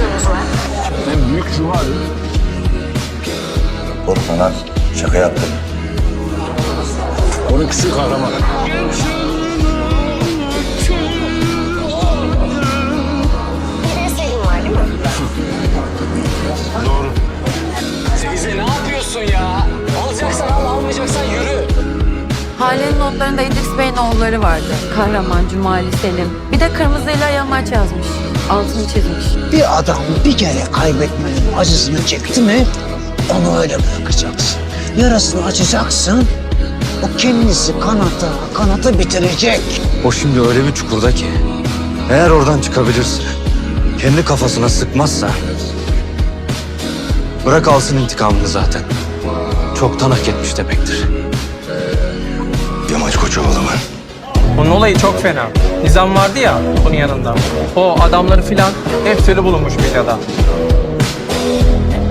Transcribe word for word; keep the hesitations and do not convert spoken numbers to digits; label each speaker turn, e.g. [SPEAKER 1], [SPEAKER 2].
[SPEAKER 1] sözünüz var?
[SPEAKER 2] En büyük Cumali.
[SPEAKER 3] Korkma lan. Şaka yaptım.
[SPEAKER 2] on ikisi kahraman.
[SPEAKER 1] Bir de Selim var değil mi?
[SPEAKER 2] Doğru.
[SPEAKER 4] Teyze ne yapıyorsun ya? Alacaksan al, almayacaksan yürü.
[SPEAKER 5] Hale'nin notlarında İdris Bey'in oğulları vardı. Kahraman, Cumali, Selim. Bir de kırmızıyla yamaç yazmış. Altını çizmiş.
[SPEAKER 6] Bir adam bir kere kaybetmenin acısını çekti mi onu öyle bırakacaksın. Yarasını açacaksın. O kendisi kanata kanata bitirecek.
[SPEAKER 7] O şimdi öyle bir çukurda ki eğer oradan çıkabilirse, kendi kafasına sıkmazsa bırak alsın intikamını zaten. Çoktan hak etmiş demektir.
[SPEAKER 3] Yamaç Koçovalı mı?
[SPEAKER 8] Onun olayı çok fena. Nizam vardı ya onun yanında. O adamları filan hepsleri bulunmuş medyada.